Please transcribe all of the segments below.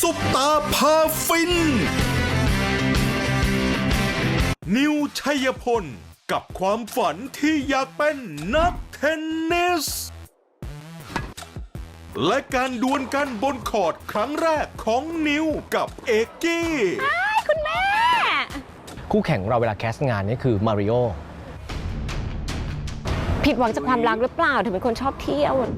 ซุปตาพาฟินนิวชัยพลกับความฝันที่อยากเป็นนักเทนนิสและการดวลกันบนคอร์ตครั้งแรกของนิวกับเอกกี้คุณแม่คู่แข่งของเราเวลาแคสต์งานนี่คือมาริโอผิดหวังจากความรักหรือเปล่าถึงเป็นคนชอบเที่ยว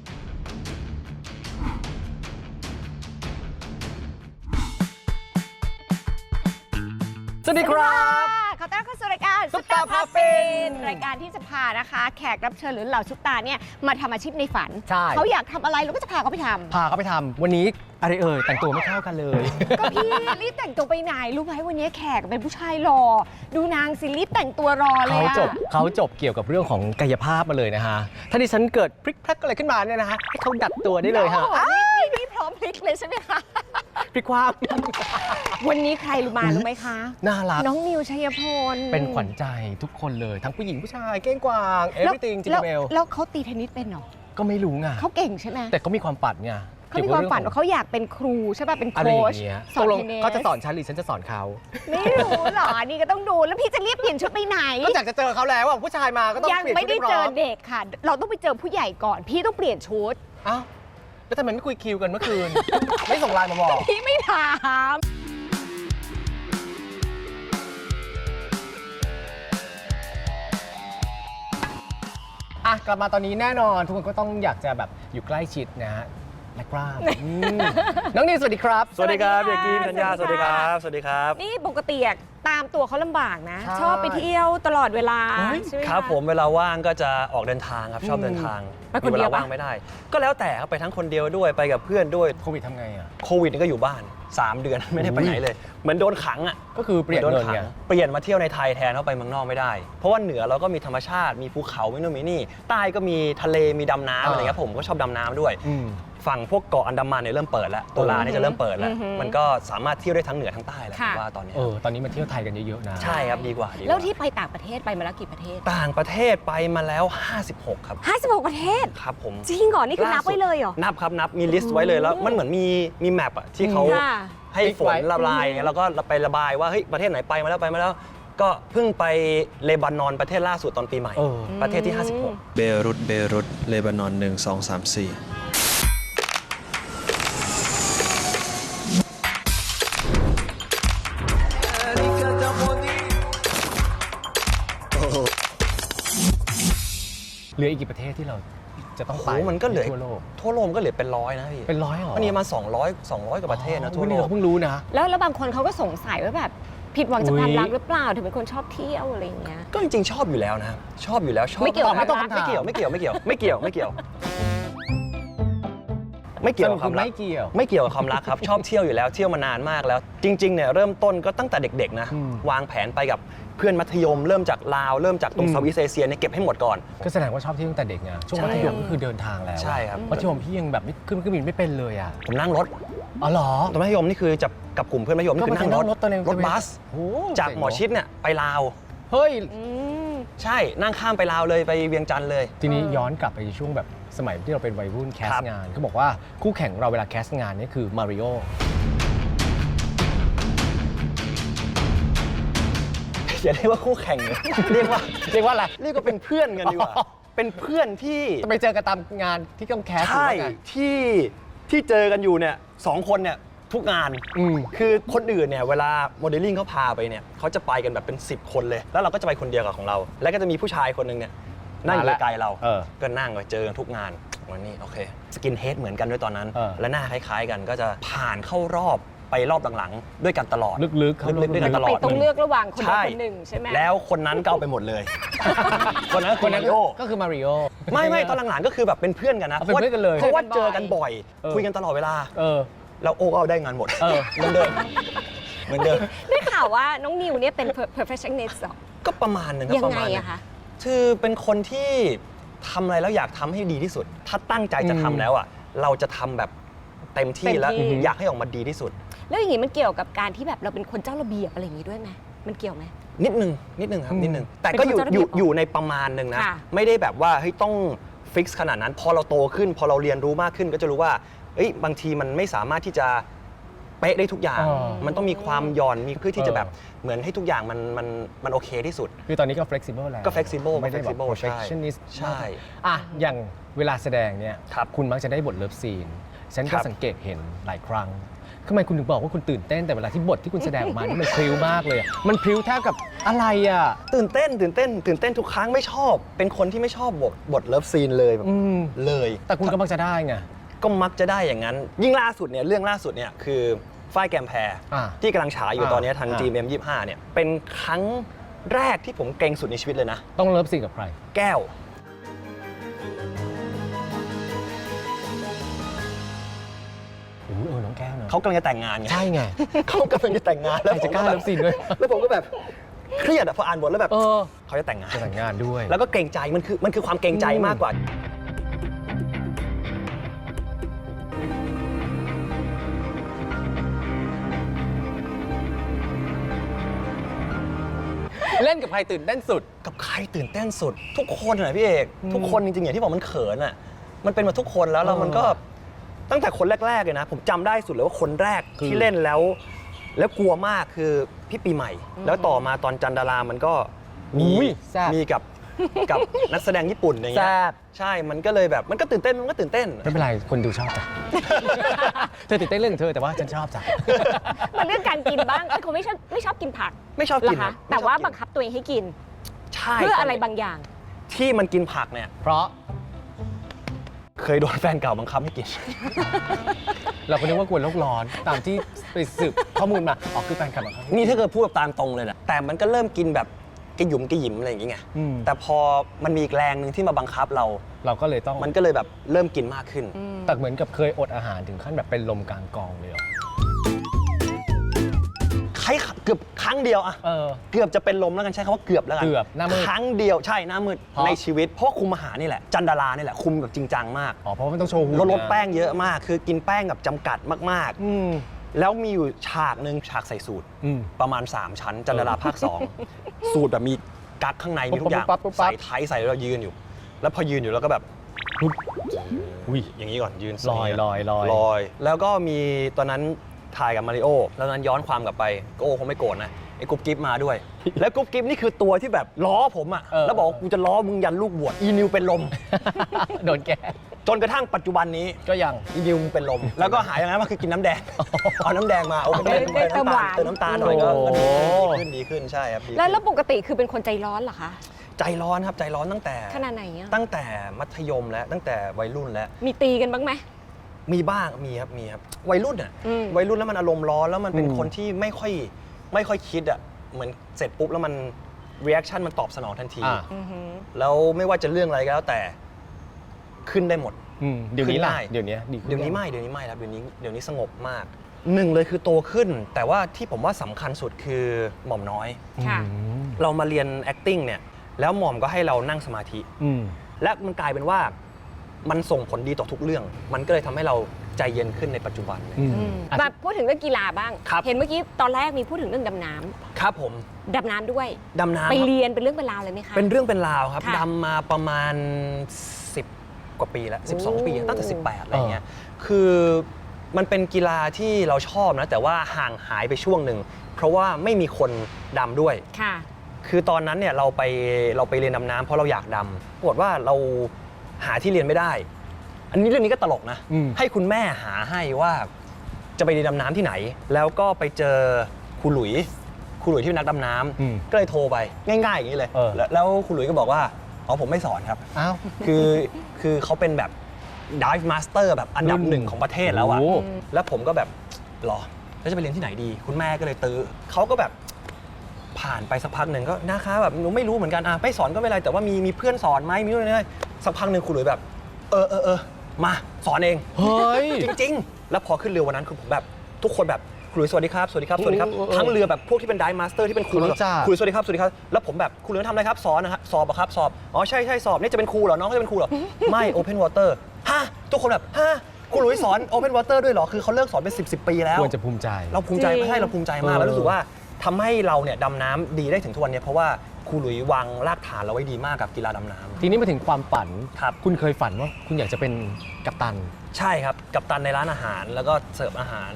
สวัสดีครับขอต้อนรับเข้าสู่รายการซุปตาพาฟินรายการที่จะพานะคะแขกรับเชิญหรือเหล่าซุปตาเนี่ยมาทำอาชีพในฝันเขาอยากทำอะไรเราก็จะพาเขาไปทำวันนี้อะไรแต่งตัวไม่เข้ากันเลยก็พี่รีบแต่งตัวไปไหนรู้ไหมวันนี้แขกเป็นผู้ชายหล่อดูนางสิรีบแต่งตัวรอเลยเขาจบเกี่ยวกับเรื่องของกายภาพมาเลยนะฮะถ้าดิฉันเกิดพลิกแพลกอะไรขึ้นมาเนี่ยนะฮะให้เขาดัดตัวได้เลยฮะนี่พร้อมพลิกเลยใช่ไหมคะพลิกความวันนี้ใครรู้ไหมคะน่ารักน้องนิวชัยพลเป็นขวัญใจทุกคนเลยทั้งผู้หญิงผู้ชายเก้งกวางeverything จิงเบลแล้วเขาตีเทนนิสเป็นหรอก็ไม่รู้ไงเขาเก่งใช่ไหมแต่เขามีความฝันไงเขามีความฝันว่าเขาอยากเป็นครูใช่ป่ะเป็นโค้ชสอนเทนนิสเขาจะสอนฉันหรือฉันจะสอนเขาไม่รู้หรอนี่ก็ต้องดูแล้วพี่จะรีบเปลี่ยนชุดไปไหนก็อยากจะเจอเขาแล้วผู้ชายมาก็ต้องยังไม่ได้เจอเด็กค่ะเราต้องไปเจอผู้ใหญ่ก่อนพี่ต้องเปลี่ยนชุดอ้าวแล้วทำไมไม่คุยคิวกันเมื่อคืน ไม่ส่งไลน์มาบอกพี่ไม่ถามกลับมาตอนนี้แน่นอนทุกคนก็ต้องอยากจะแบบอยู่ใกล้ชิดนะฮะและกล้ามน้องนิวสวัสดีครับสวัสดีครับเด็กกี้ธัญญาสวัสดีครับสวัสดีครับนี่ปกติตามตัวเขาลำบากนะชอบไปเที่ยวตลอดเวลาใช่ไหมครับผมเวลาว่างก็จะออกเดินทางครับชอบเดินทางมีเวลาว่างไม่ได้ก็แล้วแต่ครับไปทั้งคนเดียวด้วยไปกับเพื่อนด้วยโควิดทำไงโควิดนี่ก็อยู่บ้าน3 เดือนไม่ได้ไปไหนเลยเหมือนโดนขังก็คือเปลี่ยนเงินไงเปลี่ยนมาเที่ยวในไทยแทนเข้าไปเมืองนอกไม่ได้เพราะว่าเหนือเราก็มีธรรมชาติมีภูเขามีโน่นมีนี่ใต้ก็มีทะเลมีดำน้ำอะไรเงี้ยผมก็ชอบดำน้ำด้วยฝั่งพวกเกาะอันดามันเนี่ยเริ่มเปิดแล้วตุลาเนี่ยจะเริ่มเปิดแล้วมันก็สามารถเที่ยวได้ทั้งเหนือทั้งใต้แหละว่าตอนนี้ตอนนี้มาเที่ยวไทยกันเยอะๆนะใช่ครับดีกว่าแล้วที่ไปต่างประเทศไปมาแล้วกี่ประเทศต่างประเทศไปมาแล้ว56ครับ 56ประเทศครับผมจริงเหรอนี่คือนับไว้เลยเหรอนับครับนับมีลิสต์ไว้เลยแล้วมันเหมือนมีแมปที่เขาให้ฝนละลายแล้วก็ไประบายว่าเฮ้ยประเทศไหนไปมาแล้วก็เพิ่งไปเลบานอนประเทศล่าสุดตอนปีใหม่ประเทศที่56 เบรุตเลบานอน1 2 3 4 เหลืออีกกี่ประเทศที่เราจะต้องไปมันก็เหลือทั่วโลกก็เหลือเป็น100นะพี่เป็น100หรอมันมีมา200กว่าประเทศนะทั่วโลกเพิ่งรู้นะแล้วบางคนเขาก็สงสัยว่าแบบผิดหวังจากความรักหรือเปล่าถึงเป็นคนชอบเที่ยวอะไรอย่างเงี้ยก็จริงๆชอบอยู่แล้วนะชอบอยู่แล้วชอบไม่เกี่ยวไม่เกี่ยวกับความรักไม่เกี่ยวกับความรักครับชอบเที่ยวอยู่แล้วเที่ยวมานานมากแล้วจริงๆเนี่ยเริ่มต้นก็ตั้งแต่เด็กๆนะวางแผนไปกับเพื่อนมัธยมเริ่มจากลาวเริ่มจากตรงเซาท์อีสต์เอเชียเนี่ยเก็บให้หมดก่อนก็แสดงว่าชอบเที่ยวตั้งแต่เด็กไงช่วงมัธยมก็คือเดินทางแล้วใช่ครับมัธยมพี่ยังแบบขึ้นเครื่องบินไม่เป็นเลยผมนั่งรถอ๋อเหรอตอนมัธยมนี่คือจับกับกลุ่มเพื่อนมัธยมนี่คือนั่งรถบัสจากหมอชิดเนี่ยไปลาวเฮ้ยใช่นั่งข้ามไปลาวเลยไปเวียงจันทร์เลยทีนี้ย้อนกลับไปช่วงแบบสมัยที่เราเป็นวัยรุ่นแคสต์งานเขาบอกว่าคู่แข่งเราเวลาแคสต์งานนี่คือมาริโออย่าเรียกว่าคู่แข่งเลยเรียกว่าอะไรเรียกว่าเป็นเพื่อนกันดีกว่าเป็นเพื่อนที่ไปเจอกันตามงานที่ต้องแคสต์ใช่ที่เจอกันอยู่เนี่ย2 คนเนี่ยทุกงานคือคนอื่นเนี่ยเวลาโมเดลลิ่งเขาพาไปเนี่ยเขาจะไปกันแบบเป็น10 คนเลยแล้วเราก็จะไปคนเดียวกับของเราแล้วก็จะมีผู้ชายคนนึงเนี่ยนั่งอยู่ไกลเราก็นั่งไปเจอกันทุกงานวันนี้โอเคสกินเฮดเหมือนกันด้วยตอนนั้นและหน้าคล้ายๆกันก็จะผ่านเข้ารอบไปรอบหลังๆด้วยกันตลอดลึกๆด้วยกันตลอดต้องเลือกระหว่างคนใดคนหนึ่งใช่ไหมแล้วคนนั้นก็เอาไปหมดเลยคนนั้นคือมาริโอก็คือมาริโอไม่ตอนหลังๆก็คือแบบเป็นเพื่อนกันนะเป็นเพื่อนกันเลยเพราะว่าเจอกันบ่อยคุยกันตลอดเวลาแล้วโอ้ก็เอาได้งานหมดเหมือนเดิมได้ข่าวว่าน้องนิวเนี่ยเป็น perfectionist หรอก็ประมาณนึงครับยังไงอะคะคือเป็นคนที่ทำอะไรแล้วอยากทำให้ดีที่สุดถ้าตั้งใจจะทำแล้วเราจะทำแบบเต็มที่แล้วอยากให้ออกมาดีที่สุดแล้วอย่างนี้มันเกี่ยวกับการที่แบบเราเป็นคนเจ้าระเบียบอะไรอย่างนี้ด้วยไหมมันเกี่ยวไหมนิดนึงครับนิดนึงแต่ก็อยู่ในประมาณนึงนะไม่ได้แบบว่าเฮ้ยต้องฟิกซ์ขนาดนั้นพอเราโตขึ้นพอเราเรียนรู้มากขึ้นก็จะรู้ว่าบางทีมันไม่สามารถที่จะเป๊ะได้ทุกอย่างอ๋อมันต้องมีความหย่อนมีเพื่อที่จะแบบเหมือนให้ทุกอย่างมันโอเคที่สุดคือตอนนี้ก็ flexible แล้วก็ flexible ไม่ได้แบบ flexible ใช่ perfectionist ใช่อ่ะอย่างเวลาแสดงเนี่ยครับคุณมักจะได้บทเลิฟซีนฉันคก็รับสังเกตเห็นหลายครั้งทำไมคุณถึงบอกว่าคุณตื่นเต้นแต่เวลาที่บทที่คุณแสดงออกมานี่มันพริ้วมากเลยอะมันพริ้วแทบกับอะไรอ่ะตื่นเต้นทุกครั้งไม่ชอบ เป็นคนที่ไม่ชอบบทเลิฟซีนเลยแบบอืมเลยแต่คุณก็มักจะได้ไงก็มักจะได้อย่างนั้น ยิ่งล่าสุดเนี่ยเรื่องล่าสุดเนี่ยคือฝ้ายแกมแพรอ่าที่กำลังฉายอยู่ตอนนี้ทางอ่า GMM25 เนี่ยเป็นครั้งแรกที่ผมเกรงสุดในชีวิตเลยนะต้องเลิฟซีนกับใครแก้วน้องแก้วเนอะเขากำลังจะแต่งงานไงใช่ไงเขากำลังจะแต่งงานแล้วใครจะกล้าเลิฟซีนด้วยแล้วผมก็แบบเครียดอะพออ่านบทแล้วแบบเออเขาจะแต่งงานจะแต่งงานด้วยแล้วก็เกรงใจมันคือความเกรงใจมากกว่าเล่นกับใครตื่นเต้นสุดกับใครตื่นเต้นสุด ทุกคนเลยพี่เอกทุกคนจริงๆอย่างที่บอกมันเขินอ่ะมันเป็นมาทุกคนแล้วมันก็ตั้งแต่คนแรกๆเลยนะ ผมจำได้สุดเลยว่าคนแรกคือที่เล่นแล้วกลัวมากคือพี่ปีใหม่ แล้วต่อมาตอนจันดารามันก็มีอุ้ยแซ่บมีกับนักแสดงญี่ปุ่นอย่างเงี้แซ่ยบใช่มันก็เลยแบบมันก็ตื่นเต้นมันก็ตื่นเต้นไม่เป็นไร คนดูชอบจ้ะ เธอตื่นเต้นเรื่องของเธอแต่ว่าฉันชอบจ้ะมันเรื่องการกินบ้างเอ้ยเขาไม่ชอบกินผักไม่ชอบเหรกิอน คะไม่ชอบแต่ว่ากินบังคับตัวเองให้กินใช่เพื่ออะไรบางอย่างที่มันกินผักเนี่ยเพราะเคยโดนแฟนเก่าบังคับให้กินเราก็นึกว่ากลัวโลกร้อนตามที่ไปสืบข้อมูลมาอ๋อคือแฟนคลับของเขานี่ถ้าเกิดพูดแบบตามตรงเลยนะแต่มันก็เริ่มกินแบบกระหยุมกระหยิมอะไรอย่างเงี้ยอืมแต่พอมันมีอีกแรงหนึ่งที่มาบังคับเราเราก็เลยต้องมันก็เลยแบบเริ่มกินมากขึ้นแต่เหมือนกับเคยอดอาหารถึงขั้นแบบเป็นลมกลางกองเลยเหรอเกือบครั้งเดียวอะเออเกือบจะเป็นลมแล้วกันใช้คำว่าเกือบแล้วกันเกือบหน้ามืดครั้งเดียวใช่หน้ามืดเพราะในชีวิตเพราะว่าคุมอาหารนี่แหละจันดารานี่แหละคุมแบบจริงจังมากอ๋อเพราะว่ามันต้องโชว์หุ่นลดนะแป้งเยอะมาก คือกินแป้งแบบจำกัดมากอืมๆ แล้วมีอยู่ฉากหนึ่งฉากใส่สูตรอืมประมาณ 3 ชั้น จันดาราภาค 2 สูตรแบบมีกั๊กข้างในมีทุกอย่างปุ๊บปั๊บปุ๊บปั๊บใส่ไทยใส่แล้วเรายืนอยู่ แล้วพอยืนอยู่แล้วก็แบบอุ้ยอย่างนี้ก่อนยืนลอยลอยแล้วก็มีตอนนั้นถ่ายกับมาริโอแล้วตอนนั้นย้อนความกลับไปก็โอคงไม่โกรธนะไอ้กุ๊บกิ๊บมาด้วย แล้วกุ๊บกิ๊บนี่คือตัวที่แบบล้อผมอ่ะเออแล้วบอกว่ากูจะล้อมึงยันลูกบวชอีนิวเป็นลมโดนแกจนกระทั่งปัจจุบันนี้ก็ยังอีนิวมึงเป็นลม แล้วก็หายอย่างนั้นมาคือกินน้ำแดง เอาน้ำแดงมาโอ้ได้เติมหวานเติมน้ำตาลหน่อยก็โอ้ดีขึ้นใช่ครับดีขึ้นแล้วปกติคือเป็นคนใจร้อนเหรอคะใจร้อนครับใจร้อนตั้งแต่ขนาดไหนอะตั้งแต่มัธยมแล้วตั้งแต่วัยรุ่นแล้วมีตีกันบ้างไหมมีบ้างมีครับวัยรุ่นอ่ะอืมวัยรุ่นแล้วมันอารมณ์ร้อนแล้วมันเป็นอืมคนที่ไม่ค่อยคิดอ่ะเหมือนเสร็จปุ๊บแล้วมัน reaction มันตอบสนองทันทีอ่าอือหือแล้วไม่ว่าจะเรื่องอะไรก็แล้วแต่ขึ้นได้หมดอืมเดี๋ยวนี้ล่ะขึ้นได้เดี๋ยวนี้ดีขึ้เดี๋ยวนี้ไม่ครับเดี๋ยวนี้สงบมากหนึ่งเลยคือโตขึ้น แต่ว่าที่ผมว่าสำคัญสุดคือหม่อมน้อยค่ะอืมเรามาเรียน acting เนี่ยแล้วหม่อมก็ให้เรานั่งสมาธิอืมและมันกลายเป็นว่ามันส่งผลดีต่อทุกเรื่อง มันก็เลยทำให้เราใจเย็นขึ้นในปัจจุบันเลยอืมมาพูดถึงเรื่องกีฬาบ้างครับเห็นเมื่อกี้ตอนแรกมีพูดถึงเรื่องดำน้ำครับผมดำน้ำด้วยดำน้ำไปครับเรียนเป็นเรื่องเป็นราวเลยไหมคะเป็นเรื่องเป็นราวครับค่ะดำมาประมาณ 10 กว่าปีแล้ว 12 ปีตั้งแต่ 18 อะไรเงี้ยคือมันเป็นกีฬาที่เราชอบนะ แต่ว่าห่างหายไปช่วงหนึ่งเพราะว่าไม่มีคนดำด้วยค่ะคือตอนนั้นเนี่ยเราไปเรียนดำน้ำเพราะเราอยากดำปรากฏว่าเราหาที่เรียนไม่ได้ อันนี้เรื่องนี้ก็ตลกนะอืมให้คุณแม่หาให้ว่าจะไปเรียนดำน้ำที่ไหน แล้วก็ไปเจอครูหลุยที่เป็นนักดำน้อืมำก็เลยโทรไปง่ายๆอย่างนี้เลยเออแล้วครูหลุยก็บอกว่าอ๋อผมไม่สอนครับอ้าวคือเขาเป็นแบบ dive master แบบอันดับรุ่นหนึ่งของประเทศแล้วอะโอ้แล้วผมก็แบบหรอแล้วจะไปเรียนที่ไหนดี คุณแม่ก็เลยตื้อเขาก็แบบผ่านไปสักพักหนึ่งก็นะคะแบบหนูไม่รู้เหมือนกันไม่สอนก็ไม่เป็นไรแต่ว่ามีเพื่อนสอนไหมมีนู่นนี่สักพักหนึ่งครูหลุยแบบเออมาสอนเองเฮ้ยจริงๆ แล้วพอขึ้นเรือวันนั้นคือผมแบบทุกคนแบบครูหลุยสวัสดีครับสวัสดีครับสวัสดีครับโอ้โหทั้งเรือแบบพวกที่เป็นไดฟ์มาสเตอร์ที่เป็นครูครูรู้จักครูสวัสดีครับสวัสดีครับแล้วผมแบบครูหลุยทำอะไรครับสอนนะครับสอบอะครับสอบอ๋อใช่สอบนี่จะเป็นครูเหรอน้องเขาจะเป็นครูเหรอ ไม่โอเพนวอเตอร์ฮะทุกคนแบบฮะครูหลุยสอนโอเพนวอเตอร์ด้วยเหรอคือเขาเลิกสอนเป็น10 ปีแล้วควรจะภูมิใจเราภูมิใจจริงไม่ใช่เราภูมิใจมากเออแล้วรู้สึกว่าทำให้เราเนี่ยดำน้ำดีได้ถึงทุกวันเนี้เพราะว่าครูหลุยวางรากฐานเราไว้ดีมากกับกีฬาดำน้ำทีนี้มาถึงความฝันครับคุณเคยฝันว่าคุณอยากจะเป็นกัปตันใช่ครับกัปตันในร้านอาหารแล้วก็เสิร์ฟอาหาร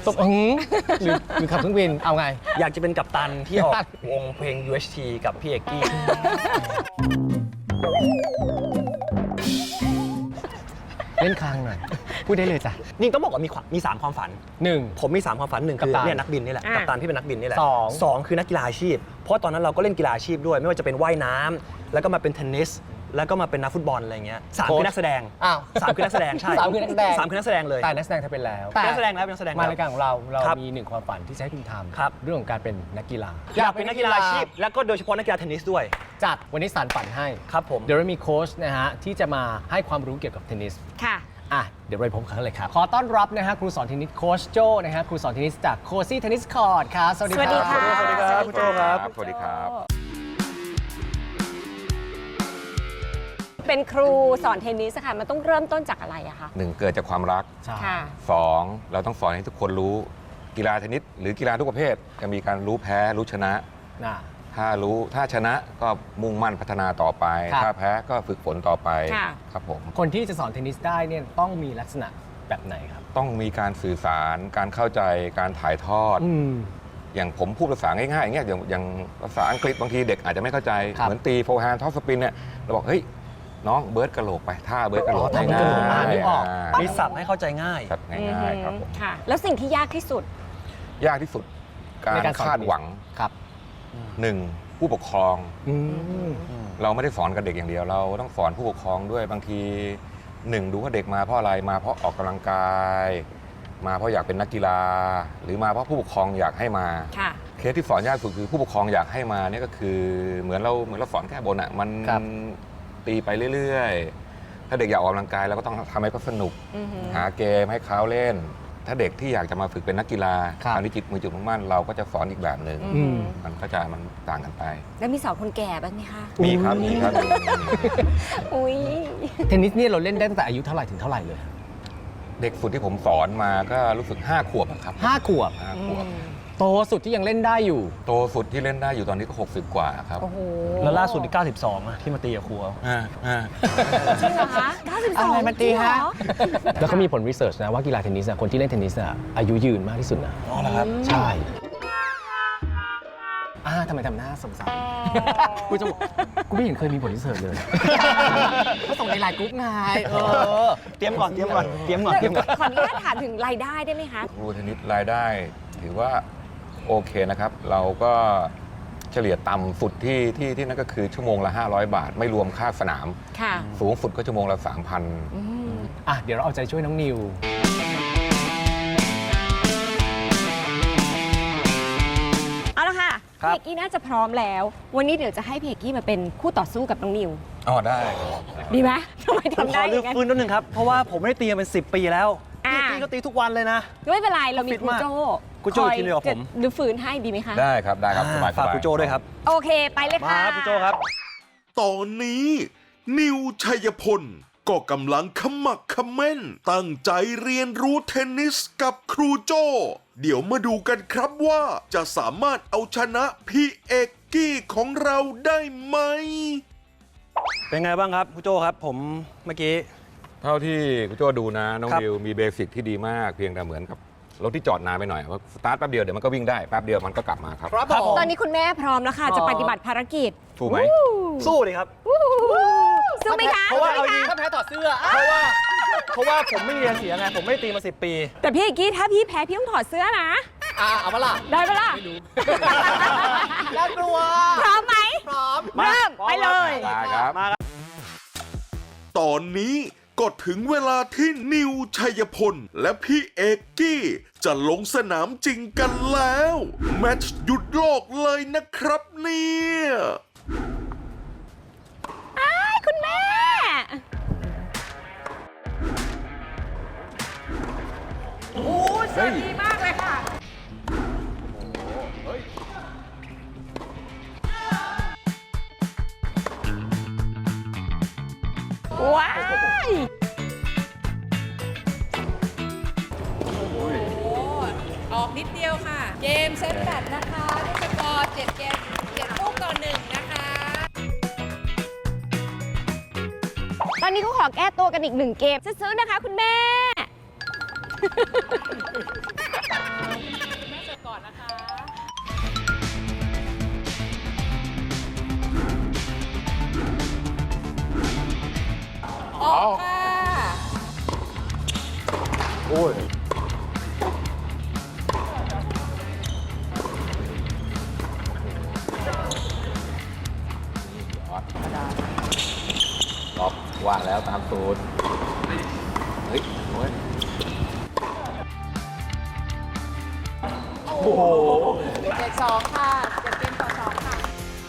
ตบหรือขับเครื่องบินเอาไงอยากจะเป็นกัปตันที่ออกวงเพลง UHT กับพี่เอกกี้เล่นคางหน่อย พูดได้เลยจ้ะนี่ต้องบอกว่ามี3ความฝัน 1 ผมมี 3 ความฝันหนึ่งคือกัปตันเนี่ยนักบินนี่แหละอ่ะกัปตันที่เป็นนักบินนี่แหละสองคือนักกีฬาอาชีพ เพราะตอนนั้นเราก็เล่นกีฬาอาชีพด้วย ไม่ว่าจะเป็นว่ายน้ำแล้วก็มาเป็นเทนนิสแล้วก็มาเป็นนักฟุตบอลอะไรเงี้ยสามคือนักแสดงอ้าวสามคือนักแสดงใช่สามคือนักแสดงสามคือนักแสดงเลยแต่นักแสดงเธอเป็นแล้วเป็นนักแสดงแล้วเป็นนักแสดงแล้วมารายการของเราครับมี1ความฝันที่จะให้คุณทครับำเรื่องของการเป็นนักกีฬาอยากเป็นนักกีฬาอาชีพแล้วก็โดยเฉพาะนักกีฬาเทนนิสด้วยจัดวันนี้สารฝันให้ครับผมเดี๋ยวเรามีโค้ชนะฮะที่จะมาให้ความรู้เกี่ยวกับเทนนิสค่ะอ่ะเดี๋ยวไปพบกันเลยครับ ขอต้อนรับนะฮะครูสอนเทนนิสโค้ชโจนะฮะครูสอนเทนนิสจากโคซี่เทนนิสคอร์ดครับสวัสดีสวัสดีครัค่ะบสวัสดีครับคุณโจ้ครับสวัสดีครับเป็นครูสอนเทนนิสค่ะมันต้องเริ่มต้นจากอะไรอะคะหนึ่งเกิดจากความรักใช่ค่ะ 2 เราต้องสอนให้ทุกคนรู้กีฬาเทนนิสหรือกีฬาทุกประเภทจะมีการรู้แพ้รู้ชนะน่ะถ้าชนะก็มุ่งมั่นพัฒนาต่อไปครับถ้าแพ้ก็ฝึกฝนต่อไปค่ะครับผมคนที่จะสอนเทนนิสได้เนี่ยต้องมีลักษณะแบบไหนครับต้องมีการสื่อสารการเข้าใจการถ่ายทอด อย่างผมพูดภาษาง่ายๆอย่างเงี้ยอย่างภาษาอังกฤษบางทีเด็กอาจจะไม่เข้าใจครับเหมือนตีโฟร์แฮนด์ท็อปสปินเนี่ยเราบอกเฮ้ยน้องเบิร์ดกระโหลกไปท่าเบิร์ดกระโหลกอ๋อท่าเบิร์ดกระโหลกนึกออกมีศัพท์ให้เข้าใจง่ายสับง่ายๆครับผมค่ะ แล้วสิ่งที่ยากที่สุดยากที่สุดการในการสอนคาดหวังครับ 1. ผู้ปกครองอืมเราไม่ได้สอนกับเด็กอย่างเดียวเราต้องสอนผู้ปกครองด้วยบางทีดูว่าเด็กมาเพราะอะไรมาเพราะออกกำลังกาย มาเพราะอยากเป็นนักกีฬา หรือมาเพราะผู้ปกครองอยากให้มาค่ะเคสที่สอนยากสุดคือผู้ปกครองอยากให้มาเนี่ยก็คือเหมือนเราสอนแค่บนอ่ะมันครับตีไปเรื่อยๆ ถ้าเด็กอยากออกกำลังกายเราก็ต้องทำให้เขาสนุกอือหือหาเกมให้เขาเล่น ถ้าเด็กที่อยากจะมาฝึกเป็นนักกีฬาครับอันนี้จิตมือจุดมุ่งมั่นเราก็จะสอนอีกแบบหนึ่งอืมมันก็จะมันต่างกันไปแล้วมีสอนคนแก่บ้างไหมคะมีครับมีครับมีอุ้ยเทนนิสเนี่ยเราเล่นได้ตั้งแต่อายุเท่าไหร่ถึงเท่าไหร่เลยเด็กสุดที่ผมสอนมาก็รู้สึก5 ขวบอะครับ 5 ขวบ 5 ขวบโตสุดที่ยังเล่นได้อยู่โตสุดที่เล่นได้อยู่ตอนนี้ก็60 กว่าครับโอ้โหแล้วล่าสุดที่92อะที่มาตีกับครูเอาจริงเหรอคะ92 อะไรมาตีฮะจริงเหรอแล้วเขามีผลวิจัยนะว่ากีฬาเทนนิสคนที่เล่นเทนนิสอายุยืนมากที่สุดนะอ๋อเหรอครับใช่ทำไมทำหน้าสงสารกูจะบอกกูไม่เห็นเคยมีผลวิจัยเลยเขาส่งในไลน์กรุ๊ปไงเตรียมก่อนขออนุญาตถามถึงรายได้ได้ไหมคะครูเทนนิสรายได้ถือว่าโอเคนะครับ เราก็เฉลี่ยต่ำสุดที่นั่นก็คือชั่วโมงละ500 บาท ไม่รวมค่าสนามค่ะสูงสุดก็ชั่วโมงละเดี๋ยวเราเอาใจช่วยน้องนิวเอาละค่ะครัเพบกกี้น่าจะพร้อมแล้ว วันนี้เดี๋ยวจะให้เพกกี้มาเป็นคู่ต่อสู้กับน้องนิว 3,000อ๋อได้ดีไหมทำไมผมทำขได้ออเลือกย่างนั้นฟื้นนิดนึงครับ เพราะว่าผมไม่ได้ตีมาเป็น 10 ปีแล้วอ่าพี่ก็ตีทุกวันเลยนะไม่เป็นไรเรามีฟิตครูมากโจ้ครูโจ้ทีมเดียวกับผมหรือฝืนให้ดีไหมคะได้ครับได้ครับสบายๆฝากครูโจด้วยครับโอเคไปเลยมาค่ะครับครูโจครับตอนนี้ นิวชัยพลก็กำลังขมักเขม้น ตั้งใจเรียนรู้เทนนิสกับครูโจ เดี๋ยวมาดูกันครับว่าจะสามารถเอาชนะพี่เอกกี้ของเราได้ไหมเป็นไงบ้างครับครูโจครับ ผมเมื่อกี้เท่าที่คุณโจดูนะน้องครับดิวมีเบสิกที่ดีมากเพียงแต่เหมือนกับรถที่จอดนานไปหน่อยว่าสตาร์ทแป๊บเดียวเดี๋ยวมันก็วิ่งได้แป๊บเดียวมันก็กลับมาครับครับผมตอนนี้คุณแม่พร้อมแล้วค่ะ จะปฏิบัติภารกิจถูกไหมสู้เลยครับสู้ไหมคะเพราะว่าสู้ไหมถ้าแพ้ถอดเสื้อเพราะว่าผมไม่มีอะไรเสียไง ผมไม่ได้ตีมา 10 ปีแต่พี่เอกกี้ถ้าพี่แพ้พี่ต้องถอดเสื้อนะเอามาล่ะได้ปะล่ะน่ากลัวพร้อมไหมพร้อมเริ่มพร้อมไปเลยได้ครับตอนนี้ก็ถึงเวลาที่นิวชัยพล และพี่เอกกี้ จะลงสนามจริงกันแล้ว แมตช์หยุดโลกเลยนะครับเนี่ยคุณแม่ โอ้เสื้อดีมากเลยค่ะ ว้ายออกนิดเดียวค่ะ เกมเซตแบตนะคะด้วยสกอร์7 เกม 7 ลูกต่อ 1 นะคะตอนนี้เขาขอแก้ตัวกันอีก1 เกมซื้อๆนะคะคุณแม่ก่อนนะคะ ออกค่ะโอ้ยล็อกว่าแล้วตามสูตรเฮ้ยโอ้ยโอ้โห7-2 ค่ะ7 เกมต่อ 2 ค่ะ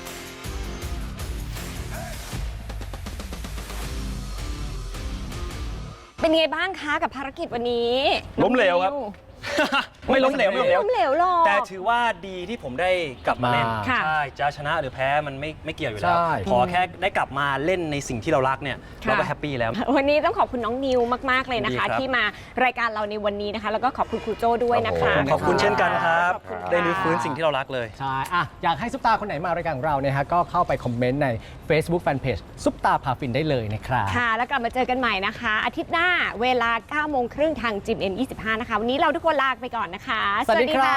เป็นไงบ้างคะกับภารกิจวันนี้ล้มเหลวครับน้องนิวไม่ล้มเหลวไม่ล้มเหลวล้มเหลวหรอกแต่ถือว่าดีที่ผมได้กลับมาเล่นค่ะใช่จะชนะหรือแพ้มันไม่เกี่ยวอยู่แล้วใช่ขอแค่ได้กลับมาเล่นในสิ่งที่เรารักเนี่ยค่ะเราก็แฮปปี้แล้ววันนี้ต้องขอบคุณน้องนิวมากๆเลยนะคะดีครับที่มารายการเราในวันนี้นะคะ แล้วก็ขอบคุณครูโจ้ด้วยนะคะขอบคุณเช่นกันครับขอบคุณค่ะได้รื้อฟื้นสิ่งที่เรารักเลยใช่อะอยากให้ซุปตาคนไหนมารายการของเราเนี่ยฮะก็เข้าไปคอมเมนต์ใน Facebook Fanpage ซุปตาพาฟินได้เลยนะครับค่ะ แล้วกลับมาเจอกันใหม่นะคะ อาทิตย์หน้าเวลา 9:30 ทางจิม N25 นะคะ วันนี้เราทุกคนลาไปก่อนนะคะสวัสดีครับ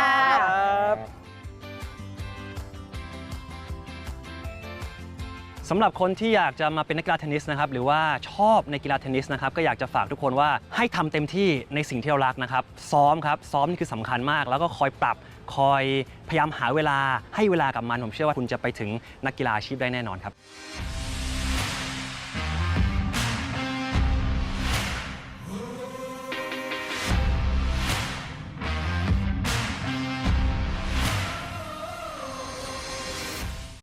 สำหรับคนที่อยากจะมาเป็นนักกีฬาเทนนิสนะครับหรือว่าชอบในกีฬาเทนนิสนะครับก็อยากจะฝากทุกคนว่าให้ทำเต็มที่ในสิ่งที่เรารักนะครับซ้อมครับซ้อมนี่คือสำคัญมาก แล้วก็คอยปรับคอยพยายามหาเวลาให้เวลากับมันผมเชื่อว่าคุณจะไปถึงนักกีฬาอาชีพได้แน่นอนครับ